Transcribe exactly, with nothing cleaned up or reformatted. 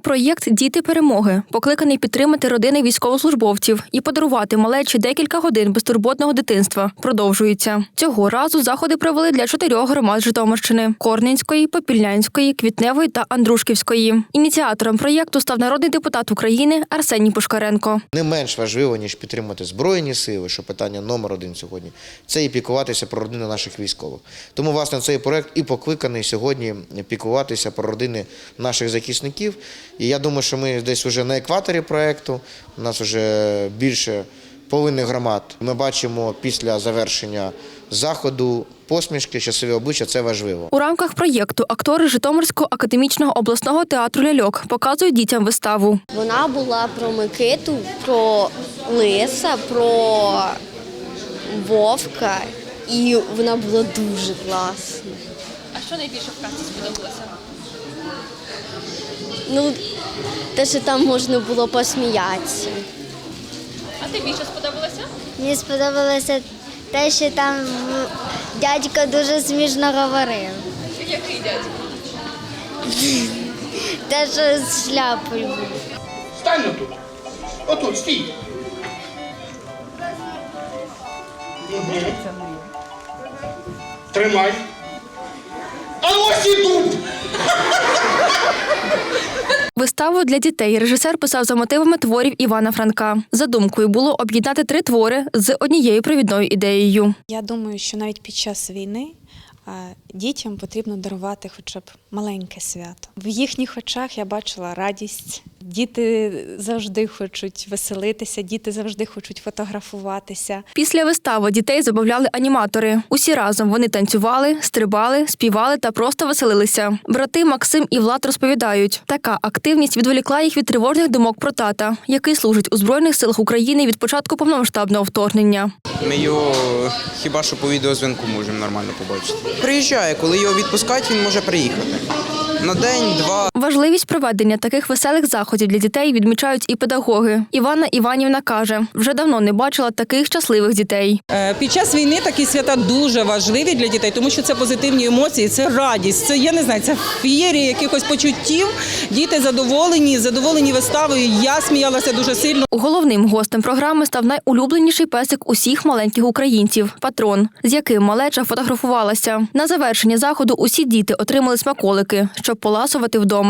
Проєкт «Діти перемоги» покликаний підтримати родини військовослужбовців і подарувати малечі декілька годин безтурботного дитинства. Продовжується. Цього разу заходи провели для чотирьох громад Житомирщини – Корненської, Попільнянської, Квітневої та Андрушківської. Ініціатором проєкту став народний депутат України Арсеній Пушкаренко. Не менш важливо, ніж підтримати Збройні сили, що питання номер один сьогодні, це і піклуватися про родини наших військових. Тому, власне, цей проєкт і покликаний сьогодні піклуватися про родини наших захисників. І я думаю, що ми десь вже на екваторі проєкту, у нас вже більше половини громад. Ми бачимо після завершення заходу посмішки, щасливі обличчя – це важливо. У рамках проєкту актори Житомирського академічного обласного театру «Ляльок» показують дітям виставу. Вона була про Микиту, про Лиса, про Вовка, і вона була дуже класна. А що найбільше в казці сподобалося? Ну, те, що там можна було посміятися. А тобі що сподобалося? Мені сподобалося те, що там дядько дуже смішно говорив. Який дядько? Те, що з шляпою був. Стань отут. Отут, стій. Угу. Тримай. А ось і дуб! Виставу для дітей режисер писав за мотивами творів Івана Франка. Задумкою було об'єднати три твори з однією провідною ідеєю. Я думаю, що навіть під час війни дітям потрібно дарувати хоча б маленьке свято. В їхніх очах я бачила радість. Діти завжди хочуть веселитися, діти завжди хочуть фотографуватися. Після вистави дітей забавляли аніматори. Усі разом вони танцювали, стрибали, співали та просто веселилися. Брати Максим і Влад розповідають, така активність відволікла їх від тривожних думок про тата, який служить у Збройних силах України від початку повномасштабного вторгнення. Ми його хіба що по відеозв'язку можемо нормально побачити. Приїжджає, коли його відпускають, він може приїхати. На день, два. Важливість проведення таких веселих заходів для дітей відмічають і педагоги. Іванна Іванівна каже, вже давно не бачила таких щасливих дітей. Під час війни такі свята дуже важливі для дітей, тому що це позитивні емоції, це радість, це, я не знаю, це феєрія якихось почуттів. Діти задоволені, задоволені виставою. Я сміялася дуже сильно. Головним гостем програми став найулюбленіший песик усіх маленьких українців – Патрон, з яким малеча фотографувалася. На завершення заходу усі діти отримали смаколики, щоб поласувати вдома.